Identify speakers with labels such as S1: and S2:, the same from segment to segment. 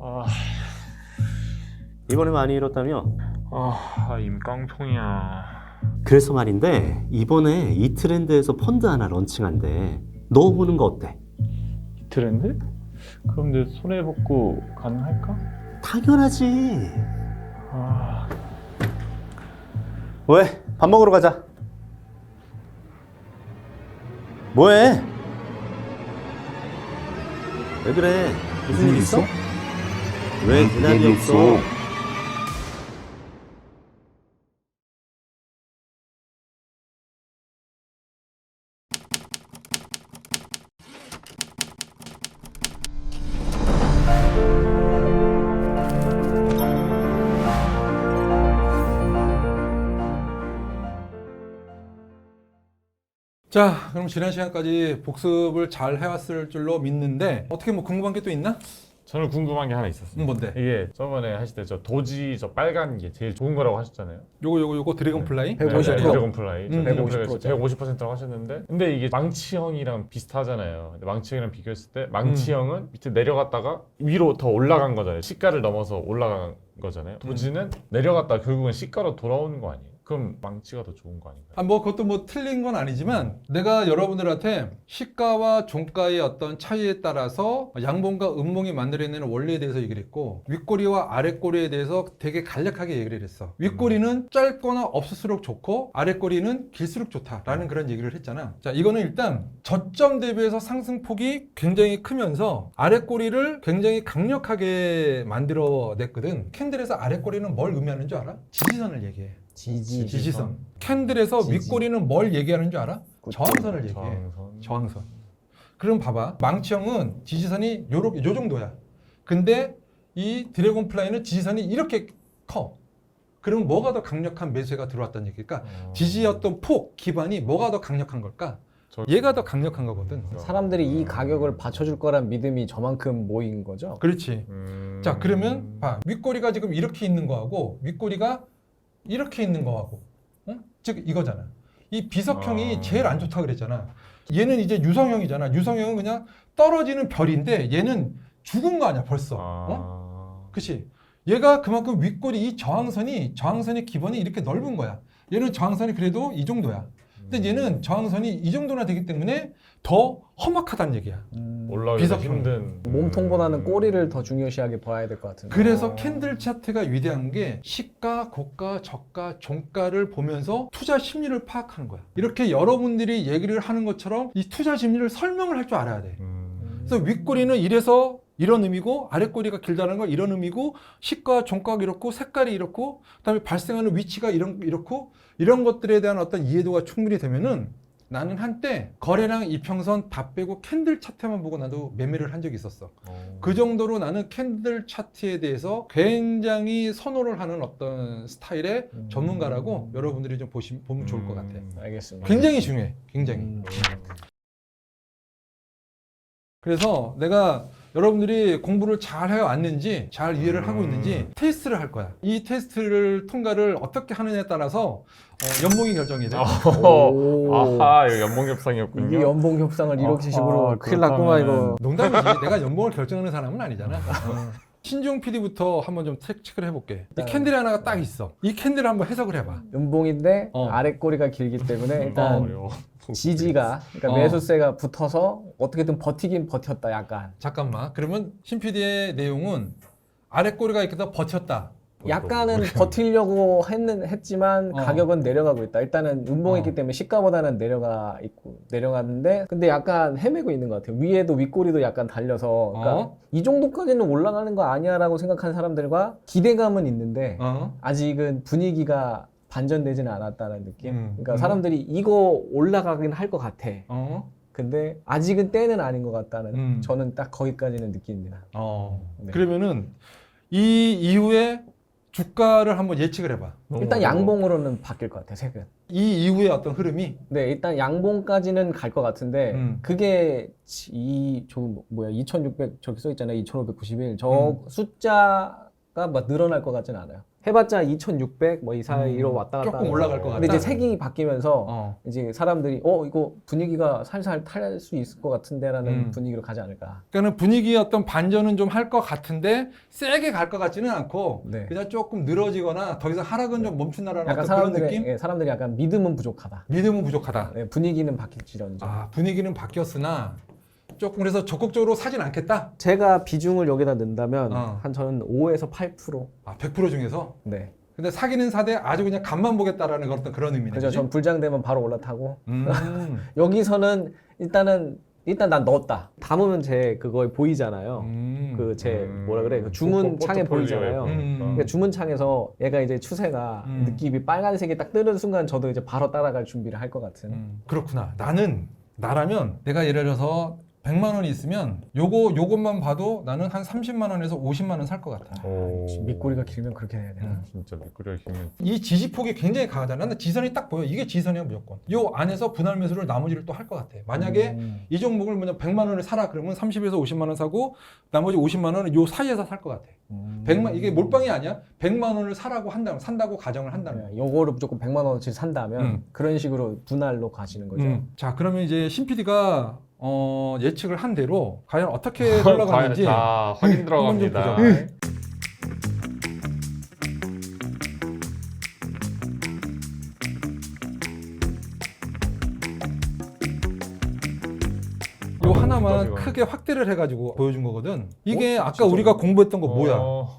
S1: 아,
S2: 이번에 많이 잃었다며?
S1: 임깡통이야.
S2: 그래서 말인데 이번에 이 트렌드에서 펀드 하나 런칭한대. 넣어보는 거 어때?
S1: 트렌드? 그럼 내 손해복구 가능할까?
S2: 당연하지.
S1: 아,
S2: 왜? 밥 먹으러 가자. 뭐해? 왜 그래? 무슨 일 있어? 왜 대답이 없어?
S3: 자, 그럼 지난 시간까지 복습을 잘 해왔을 줄로 믿는데 어떻게 뭐 궁금한 게 또 있나?
S1: 저는 궁금한 게 하나 있었어요.
S3: 뭔데?
S1: 이게 저번에 하실 때 저 도지 저 빨간 게 제일 좋은 거라고 하셨잖아요.
S3: 요거 드래곤플라이?
S4: 150%.
S1: 드래곤플라이.
S4: 150%.
S1: 150%라고 하셨는데, 근데 이게 망치형이랑 비슷하잖아요. 근데 망치형이랑 비교했을 때 망치형은 밑에 내려갔다가 위로 더 올라간 거잖아요. 시가를 넘어서 올라간 거잖아요. 도지는 내려갔다 결국은 시가로 돌아오는 거 아니에요? 그럼 망치가 더 좋은 거 아닌가요?
S3: 아, 뭐 그것도 뭐 틀린 건 아니지만 내가 여러분들한테 시가와 종가의 어떤 차이에 따라서 양봉과 음봉이 만들어내는 원리에 대해서 얘기를 했고, 윗꼬리와 아랫꼬리에 대해서 되게 간략하게 얘기를 했어. 윗꼬리는 짧거나 없을수록 좋고 아랫꼬리는 길수록 좋다라는 그런 얘기를 했잖아. 자, 이거는 일단 저점 대비해서 상승폭이 굉장히 크면서 아랫꼬리를 굉장히 강력하게 만들어냈거든. 캔들에서 아랫꼬리는 뭘 의미하는 줄 알아? 지지선을 얘기해. 지지선. 캔들에서 윗꼬리는 뭘 얘기하는 줄 알아? 저항선을 얘기해. 저항선. 그럼 봐봐. 망치형은 지지선이 요 정도야. 근데 이 드래곤플라이는 지지선이 이렇게 커. 그럼 뭐가 더 강력한 매수가 들어왔다는 얘기일까? 지지였던 폭, 기반이 뭐가 더 강력한 걸까? 얘가 더 강력한 거거든.
S4: 사람들이 이 가격을 받쳐줄 거란 믿음이 저만큼 모인 거죠.
S3: 그렇지. 자, 그러면 봐. 윗꼬리가 지금 이렇게 있는 거하고 윗꼬리가 이렇게 있는 거하고, 즉 이거잖아. 이 비석형이 제일 안 좋다 그랬잖아. 얘는 이제 유성형이잖아. 유성형은 그냥 떨어지는 별인데 얘는 죽은 거 아니야 벌써. 그치? 얘가 그만큼 윗꼬리 이 저항선의 기본이 이렇게 넓은 거야. 얘는 저항선이 그래도 이 정도야. 근데 얘는 저항선이 이 정도나 되기 때문에 더 험악하다는 얘기야.
S1: 올라오기
S3: 비석형.
S1: 힘든.
S4: 몸통보다는 꼬리를 더 중요시하게 봐야 될 것 같은데.
S3: 그래서 캔들 차트가 위대한 게 시가, 고가, 저가, 종가를 보면서 투자 심리를 파악하는 거야. 이렇게 여러분들이 얘기를 하는 것처럼 이 투자 심리를 설명을 할 줄 알아야 돼. 그래서 윗꼬리는 이래서 이런 의미고 아랫꼬리가 길다는 건 이런 의미고 시가, 종가가 이렇고 색깔이 이렇고 그다음에 발생하는 위치가 이렇고 이런 것들에 대한 어떤 이해도가 충분히 되면은 나는 한때 거래량 이평선 다 빼고 캔들 차트만 보고 나도 매매를 한 적이 있었어. 그 정도로 나는 캔들 차트에 대해서 굉장히 선호를 하는 어떤 스타일의 전문가라고 여러분들이 좀 보면 좋을 것 같아.
S4: 알겠습니다.
S3: 굉장히 중요해. 굉장히. 그래서 내가 여러분들이 공부를 잘 해왔는지 잘 이해를 하고 있는지 테스트를 할 거야. 이 테스트를 통과를 어떻게 하느냐에 따라서 연봉이 결정이 돼.
S4: 오.
S1: 아하, 이거 연봉 협상이었군요.
S4: 이게 연봉 협상을 이렇게 식으로 큰일 났구만 이거.
S3: 농담이지. 내가 연봉을 결정하는 사람은 아니잖아. 신중 PD부터 한번 좀 체크를 해볼게. 이 캔들이 하나가 딱 있어. 이 캔들을 한번 해석을 해봐.
S4: 연봉인데 아랫꼬리가 길기 때문에 일단
S1: 어려워.
S4: 지지가, 그러니까 매수세가 붙어서 어떻게든 버티긴 버텼다 약간.
S3: 잠깐만. 그러면 신 PD의 내용은 아랫꼬리가 이렇게 더 버텼다.
S4: 약간은 버티려고 했지만 가격은 내려가고 있다. 일단은 음봉했기 때문에 시가보다는 내려갔는데 근데 약간 헤매고 있는 것 같아요. 위에도 윗꼬리도 약간 달려서 그러니까 이 정도까지는 올라가는 거 아니야라고 생각하는 사람들과 기대감은 있는데 아직은 분위기가 반전되지는 않았다는 느낌. 그러니까 사람들이 이거 올라가긴 할 것 같아. 근데 아직은 때는 아닌 것 같다는 저는 딱 거기까지는 느낍니다. 네.
S3: 그러면은 이 이후에 주가를 한번 예측을 해봐.
S4: 일단 양봉으로는 바뀔 것 같아요, 색은.
S3: 이 이후의 어떤 흐름이?
S4: 네, 일단 양봉까지는 갈 것 같은데 그게 2600 저기 써 있잖아요. 2591. 저 숫자가 막 늘어날 것 같지는 않아요. 해봤자 2,600 뭐 이 사이로 왔다 갔다.
S3: 조금
S4: 하면서.
S3: 올라갈 것
S4: 근데
S3: 같다.
S4: 이제 색이 바뀌면서
S3: 어.
S4: 이제 사람들이 이거 분위기가 살살 탈 수 있을 것 같은데라는 분위기로 가지 않을까.
S3: 그러니까 분위기의 어떤 반전은 좀 할 것 같은데 세게 갈 것 같지는 않고
S4: 네.
S3: 그냥 조금 늘어지거나 더 이상 하락은 좀 멈춘다라는
S4: 약간
S3: 어떤 그런 느낌?
S4: 사람들이 약간 믿음은 부족하다.
S3: 믿음은 부족하다.
S4: 네, 분위기는 바뀔지언정.
S3: 아, 분위기는 바뀌었으나 조금 그래서 적극적으로 사진 않겠다?
S4: 제가 비중을 여기다 넣는다면
S3: 어.
S4: 한 저는 5에서 8%.
S3: 아, 100% 중에서?
S4: 네.
S3: 근데 사기는 사되 아주 그냥 간만 보겠다라는 그런 의미네.
S4: 그죠.
S3: 그지?
S4: 전 불장되면 바로 올라타고
S3: 음.
S4: 여기서는 일단 난 넣었다. 담으면 제 그거 보이잖아요. 그 제 뭐라 그래 그 주문 창에 보이잖아요. 그러니까 주문 창에서 얘가 이제 추세가 느낌이 빨간색이 딱 뜨는 순간 저도 이제 바로 따라갈 준비를 할 것 같은.
S3: 그렇구나. 나라면 내가 예를 들어서 100만 원이 있으면 요것만 봐도 나는 한 30만 원에서 50만 원 살 것 같아.
S4: 밑꼬리가 길면 그렇게 해야 되나?
S1: 진짜 미꾸리가 길면
S3: 이 지지폭이 굉장히 강하잖아. 근데 지선이 딱 보여. 이게 지선이야 무조건. 요 안에서 분할 매수를 나머지를 또 할 것 같아. 만약에 이 종목을 뭐냐 100만 원을 사라 그러면 30에서 50만 원 사고 나머지 50만 원은 요 사이에서 살 것 같아. 100만 이게 몰빵이 아니야. 100만 원을 사라고 한다면 산다고 가정을 한다면.
S4: 네, 요거를 무조건 100만 원어치 산다면 그런 식으로 분할로 가시는 거죠.
S3: 자 그러면 이제 신 PD가 예측을 한 대로 과연 어떻게 흘러가는지
S1: 다 확인
S3: 한번 좀
S1: 들어갑니다.
S3: 보자. 요 하나만
S1: 진짜
S3: 크게 확대를 해가지고 보여준 거거든. 이게 아까
S1: 진짜요?
S3: 우리가 공부했던 거 뭐야?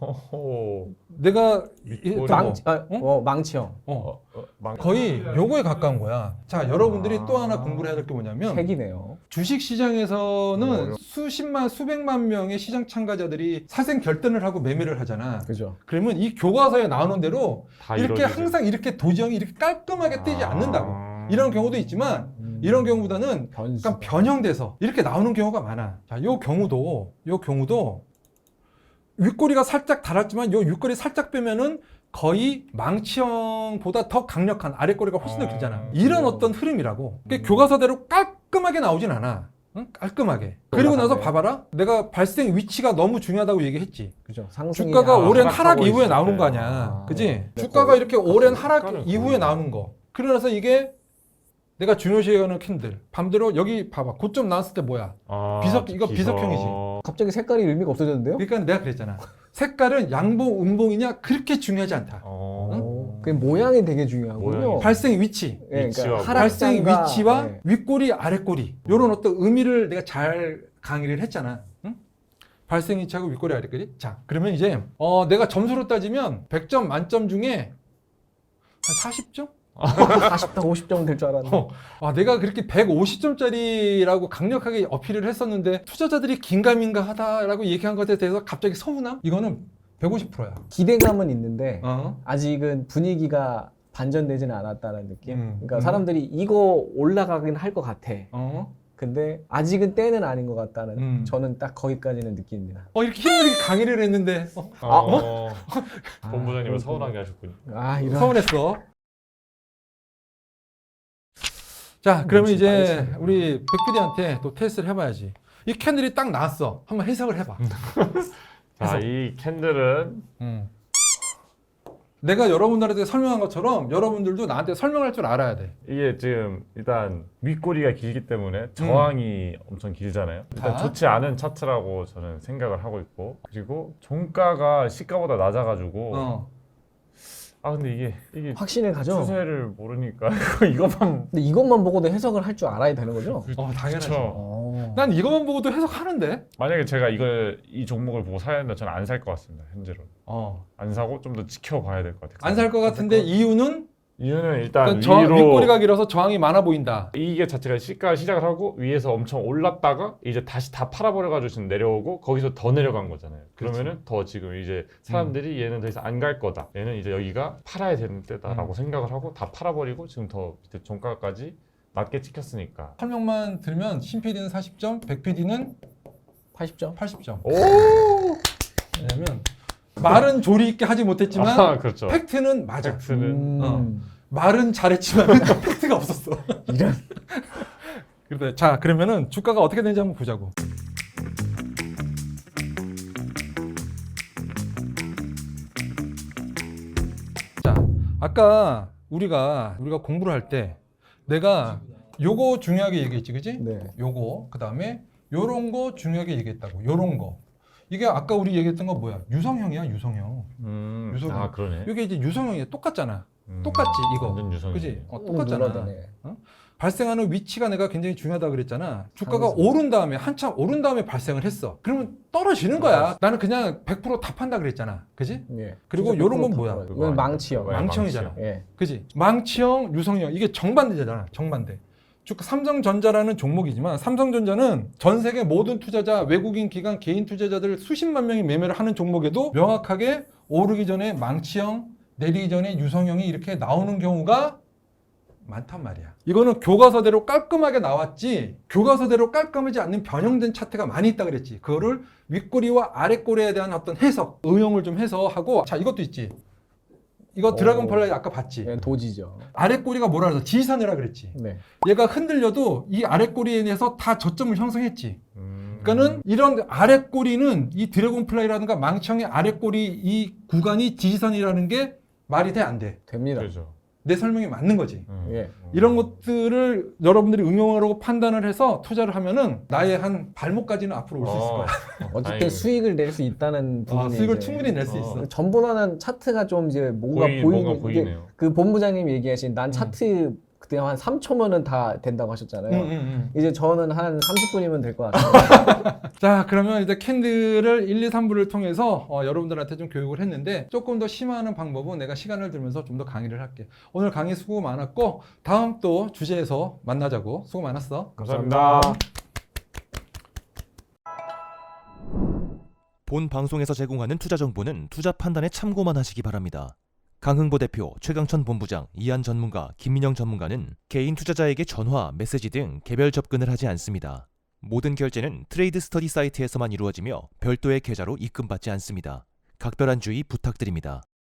S3: 내가
S1: 밑꼬리.
S4: 망치형.
S3: 거의 요거에 가까운 거야. 자, 여러분들이 또 하나 공부를 해야 될 게 뭐냐면
S4: 색이네요.
S3: 주식 시장에서는 수십만, 수백만 명의 시장 참가자들이 사생 결단을 하고 매매를 하잖아.
S4: 그죠.
S3: 그러면 이 교과서에 나오는 대로
S1: 다
S3: 이렇게
S1: 이루어지죠.
S3: 항상 이렇게 도지형이 이렇게 깔끔하게 뜨지 않는다고. 이런 경우도 있지만 이런 경우보다는
S4: 변수.
S3: 약간 변형돼서 이렇게 나오는 경우가 많아. 자, 요 경우도 윗꼬리가 살짝 달았지만 요 윗꼬리 살짝 빼면은 거의 망치형보다 더 강력한 아랫꼬리가 훨씬 더 길잖아. 이런 어떤 흐름이라고. 그러니까 교과서대로 깔끔하게 나오진 않아. 응? 깔끔하게. 그리고 나서 봐봐라. 내가 발생 위치가 너무 중요하다고 얘기했지.
S4: 그죠. 상승이
S3: 주가가 오랜
S1: 하락하고
S3: 하락 이후에
S1: 있을
S3: 나오는
S1: 때.
S3: 거 아니야. 그지?
S4: 네,
S3: 주가가 이렇게 오랜 하락
S1: 주가는
S3: 이후에
S1: 거의-
S3: 나오는 거. 그러나서 이게 내가 중요시해 하는 캔들. 밤대로 여기 봐봐. 고점 나왔을 때 뭐야? 이거 비석형이지.
S4: 갑자기 색깔이 의미가 없어졌는데요?
S3: 그러니까 내가 그랬잖아. 색깔은 양봉, 음봉이냐 그렇게 중요하지 않다.
S4: 그 모양이 되게 중요하군요.
S1: 모양이.
S3: 발생 위치.
S4: 예,
S1: 위치와
S3: 발생
S4: 하락장과-
S3: 위치와
S4: 네.
S3: 윗꼬리, 아랫꼬리. 요런 어떤 의미를 내가 잘 강의를 했잖아. 응? 발생 위치하고 윗꼬리, 아랫꼬리. 자, 그러면 이제 내가 점수로 따지면 100점 만점 중에 한 40점?
S4: 40점, 50점 될 줄 알았는데.
S3: 내가 그렇게 150점짜리라고 강력하게 어필을 했었는데 투자자들이 긴가민가 하다라고 얘기한 것에 대해서 갑자기 서운함? 이거는 150%야.
S4: 기대감은 있는데 아직은 분위기가 반전되지는 않았다는 느낌. 그러니까 사람들이 이거 올라가긴 할 것 같아. 근데 아직은 때는 아닌 것 같다는 저는 딱 거기까지는 느낍니다.
S3: 이렇게 힘들게 강의를 했는데
S1: 본부장님은 서운하게 하셨군요.
S4: 이런.
S3: 서운했어. 자, 그러면
S4: 진짜
S3: 이제
S4: 빨리
S3: 우리 백PD한테 또 테스트를 해봐야지. 이 캔들이 딱 나왔어. 한번 해석을 해봐.
S1: 자, 이 캔들은
S3: 내가 여러분들한테 설명한 것처럼 여러분들도 나한테 설명할 줄 알아야 돼.
S1: 이게 지금 일단 윗꼬리가 길기 때문에 저항이 엄청 길잖아요. 일단
S3: 자.
S1: 좋지 않은 차트라고 저는 생각을 하고 있고, 그리고 종가가 시가보다 낮아가지고 근데 이게
S4: 확신을 가져.
S1: 추세를 모르니까 이것만
S4: 근데 이것만 보고도 해석을 할 줄 알아야 되는 거죠?
S3: 당연하죠.
S1: 그쵸.
S3: 난 이것만 보고도 해석하는데.
S1: 만약에 제가 이 종목을 보고 사야 된다, 저는 안 살 것 같습니다. 현재로 안 사고 좀 더 지켜봐야 될 것 같아요.
S3: 안 살 것 같은데 이유는
S1: 이유는 일단
S3: 그러니까
S1: 위로
S3: 윗꼬리가 길어서 저항이 많아 보인다.
S1: 이게 자체가 시가 시작을 하고 위에서 엄청 올랐다가 이제 다시 다 팔아버려가지고 지금 내려오고 거기서 더 내려간 거잖아요. 그러면은 더 지금 이제 사람들이 얘는 더 이상 안 갈 거다. 얘는 이제 여기가 팔아야 되는 때다라고 생각을 하고 다 팔아버리고 지금 더 밑에 종가까지 낮게 찍혔으니까.
S3: 설명만 들으면 신 PD는 40점, 백 PD는
S4: 80점?
S3: 80점.
S1: 오!
S3: 왜냐면 말은 조리 있게 하지 못했지만
S1: 그렇죠.
S3: 팩트는 맞아.
S1: 팩트는
S3: 말은 잘했지만 팩트가 없었어.
S4: 이런.
S3: 그래, 자, 그러면은 주가가 어떻게 되는지 한번 보자고. 아까 우리가 공부를 할 때 내가 요거 중요하게 얘기했지, 그지?
S4: 네.
S3: 요거 그다음에 요런 거 중요하게 얘기했다고. 요런 거. 이게 아까 우리 얘기했던 거 뭐야? 유성형이야, 유성형. 유성형.
S1: 아 그러네.
S3: 이게 이제 유성형이 똑같잖아. 똑같지 이거.
S1: 완전 유성형.
S3: 그지? 똑같잖아.
S4: 누나다네.
S3: 발생하는 위치가 내가 굉장히 중요하다 그랬잖아. 주가가
S4: 상승.
S3: 오른 다음에 한참 오른 다음에 발생을 했어. 그러면 떨어지는 거야. 나는 그냥 100% 답한다 그랬잖아. 그지?
S4: 예.
S3: 그리고
S4: 진짜
S3: 요런 건
S4: 100%
S3: 뭐야?
S4: 답답해요.
S1: 그거
S4: 이건
S1: 아니야?
S4: 망치형.
S1: 네,
S3: 망치형이잖아.
S1: 망치형.
S4: 예.
S3: 그지? 망치형, 유성형 이게 정반대잖아. 정반대. 주가 삼성전자라는 종목이지만 삼성전자는 전 세계 모든 투자자, 외국인 기관, 개인 투자자들 수십만 명이 매매를 하는 종목에도 명확하게 오르기 전에 망치형, 내리기 전에 유성형이 이렇게 나오는 경우가 많단 말이야. 이거는 교과서대로 깔끔하게 나왔지, 교과서대로 깔끔하지 않는 변형된 차트가 많이 있다 그랬지. 그거를 윗꼬리와 아랫꼬리에 대한 어떤 해석, 응용을 좀 해서 하고. 자, 이것도 있지. 이거 드래곤 플라이 아까 봤지.
S4: 예, 도지죠.
S3: 아랫꼬리가 뭐라 그래서 지지선이라 그랬지.
S4: 네.
S3: 얘가 흔들려도 이 아랫꼬리에 대해서 다 저점을 형성했지. 그러니까는 이런 아랫꼬리는 이 드래곤 플라이라든가 망치형의 아랫꼬리 이 구간이 지지선이라는 게 말이 돼, 안 돼?
S4: 됩니다.
S1: 그렇죠.
S3: 내 설명이 맞는 거지.
S4: 예.
S3: 이런 것들을 여러분들이 응용하라고 판단을 해서 투자를 하면은 나의 한 발목까지는 앞으로 올 수 있을 거야.
S4: 어쨌든
S1: 다행이네.
S4: 수익을 낼 수 있다는 부분이
S3: 수익을
S4: 이제
S3: 충분히 낼 수 있어.
S4: 전보다는 차트가 좀 이제 뭔가
S1: 뭔가
S4: 보이게
S1: 보이네요.
S4: 그 본부장님이 얘기하신 난 차트 그때 한 3초면은 다 된다고 하셨잖아요. 이제 저는 한 30분이면 될 것 같아요.
S3: 자, 그러면 이제 캔들을 1, 2, 3부를 통해서 여러분들한테 좀 교육을 했는데 조금 더 심화하는 방법은 내가 시간을 들면서 좀 더 강의를 할게. 오늘 강의 수고 많았고 다음 또 주제에서 만나자고. 수고 많았어.
S1: 감사합니다.
S5: 본 방송에서 제공하는 투자 정보는 투자 판단에 참고만 하시기 바랍니다. 강흥보 대표, 최강천 본부장, 이한 전문가, 김민영 전문가는 개인 투자자에게 전화, 메시지 등 개별 접근을 하지 않습니다. 모든 결제는 트레이드 스터디 사이트에서만 이루어지며 별도의 계좌로 입금받지 않습니다. 각별한 주의 부탁드립니다.